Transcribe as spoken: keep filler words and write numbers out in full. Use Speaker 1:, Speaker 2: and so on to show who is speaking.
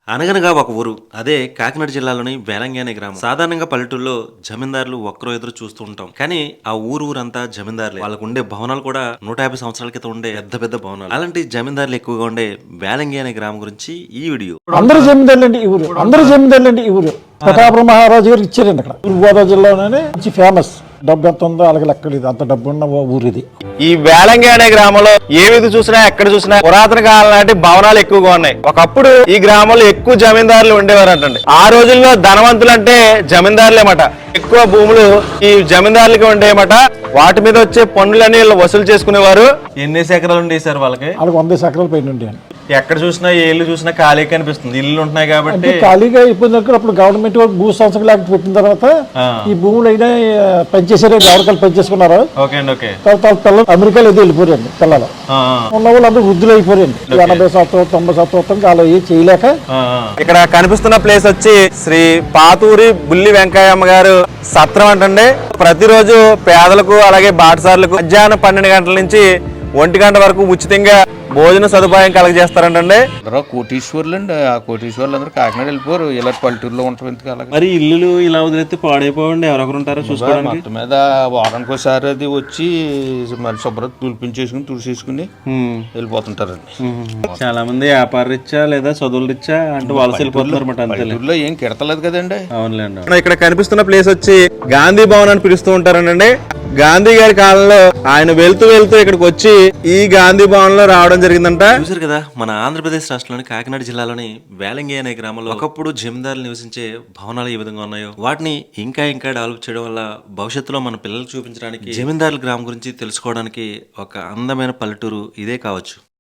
Speaker 1: అనగనగా ఒక ఊరు అదే కాకినాడ జిల్లాలోని వేలంగి అనే గ్రామం. సాధారణంగా పల్లెటూరులో జమీందారులు ఒక్కరో ఎదురు చూస్తూ ఉంటాం, కానీ ఆ ఊరు ఊరంతా జమీందారులే. వాళ్ళకు ఉండే భవనాలు కూడా నూట యాభై సంవత్సరాల క్రితం ఉండే పెద్ద పెద్ద భవనాలు. అలాంటి జమీందారులు ఎక్కువగా ఉండే వేలంగి అనే గ్రామం గురించి ఈ వీడియో.
Speaker 2: అందరూ జమీందారులండి ఈ ఊరు, అందరూ జమీందారులండి ఈ ఊరు. ప్రతాప మహారాజు గారు ఇచ్చారండి అక్కడ. తూర్పుగోదావరి జిల్లాలోనే మంచి ఫేమస్. డబ్బు ఎంత ఉందో అలాగే లెక్కలేదు, అంత డబ్బు ఉన్న ఊరు ఇది.
Speaker 3: ఈ వేలంగి అనే గ్రామంలో ఏ విధి చూసినా ఎక్కడ చూసినా పురాతన కాలం నాటి భవనాలు ఎక్కువగా ఉన్నాయి. ఒకప్పుడు ఈ గ్రామంలో ఎక్కువ జమీందారులు ఉండేవారంటండి. ఆ రోజుల్లో ధనవంతులు అంటే జమీందారులేమట. ఎక్కువ భూములు ఈ జమీందారులకి ఉండేయమట. వాటి మీద వచ్చే పన్నులన్నీ వసూలు చేసుకునేవారు. ఎన్ని ఎకరాలు ఉండేవి సార్ వాళ్ళకి?
Speaker 2: వాళ్ళకి వంద ఎకరాల పైన ఉండే.
Speaker 3: ఎక్కడ చూసినా ఏ ఇల్లు చూసినా ఖాళీ కనిపిస్తుంది. ఇల్లు ఉంటున్నాయి కాబట్టి
Speaker 2: ఖాళీగా అయిపోయిన దగ్గర అప్పుడు గవర్నమెంట్ భూ సంస్థ లేక పెట్టిన తర్వాత ఈ భూములు అయినా పనిచేసారు, గవర్నమెంట్ పనిచేసుకున్నారు. తర్వాత పిల్లలు అమెరికాలో ఏదో వెళ్ళిపోయారండి. పిల్లలు ఉన్న వాళ్ళు అందరూ వృద్ధులు అయిపోయారండి. ఎనభై సంవత్సరం తొంభై సంవత్సరం అలా ఏ చేయలేక.
Speaker 3: ఇక్కడ కనిపిస్తున్న ప్లేస్ వచ్చి శ్రీ పాతూరి బుల్లి వెంకయ్యమ్మ గారు సత్రం అంటండి. ప్రతిరోజు పేదలకు అలాగే బాటసార్లకు మధ్యాహ్నం పన్నెండు గంటల నుంచి ఒంటి గంట వరకు ఉచితంగా భోజన సదుపాయం కలగజేస్తారంటండి.
Speaker 4: కోటీశ్వర్లు అండి. ఆ కోటీశ్వర్లు అందరూ కాకినాడ వెళ్ళిపోరు, ఇలా పల్లెటూరులో ఉంటారు. ఎందుకు అలాగే
Speaker 1: మరి ఇల్లు ఇలా వదిలేస్తే పాడైపోవండి. ఎవరెవరు ఉంటారో చూసుకోవడానికి.
Speaker 4: మొత్తం మీద వారానికి ఒకసారి అది వచ్చి మరి శుభ్రత తులిపించేసుకుని తుడిసేసుకుని వెళ్ళిపోతుంటారండి.
Speaker 1: చాలా మంది వ్యాపార రీత్యా లేదా చదువుల రీత్యా అంటే వలస వెళ్ళిపోతున్నారు అనమాట.
Speaker 4: పల్లెటూరులో ఏం కిడతలేదు కదండి.
Speaker 1: అవునులేండి.
Speaker 3: ఇక్కడ కనిపిస్తున్న ప్లేస్ వచ్చి గాంధీ భవన్ అని పిలుస్తూ ఉంటారండి. గాంధీ గారి కాలంలో ఆయన వెళ్తూ వెళ్తూ ఇక్కడికి వచ్చి ఈ గాంధీ భవన్ లో రావడం జరిగిందంట.
Speaker 1: చూసారు కదా, మన ఆంధ్రప్రదేశ్ రాష్ట్రంలోని కాకినాడ జిల్లాలోని వేలంగి అనే గ్రామంలో ఒకప్పుడు జమీందారులు నివసించే భవనాలు ఏ విధంగా ఉన్నాయో వాటిని ఇంకా ఇంకా డెవలప్ చేయడం వల్ల భవిష్యత్తులో మన పిల్లలకు చూపించడానికి, జమీందారుల గ్రామం గురించి తెలుసుకోవడానికి ఒక అందమైన పల్లెటూరు ఇదే కావచ్చు.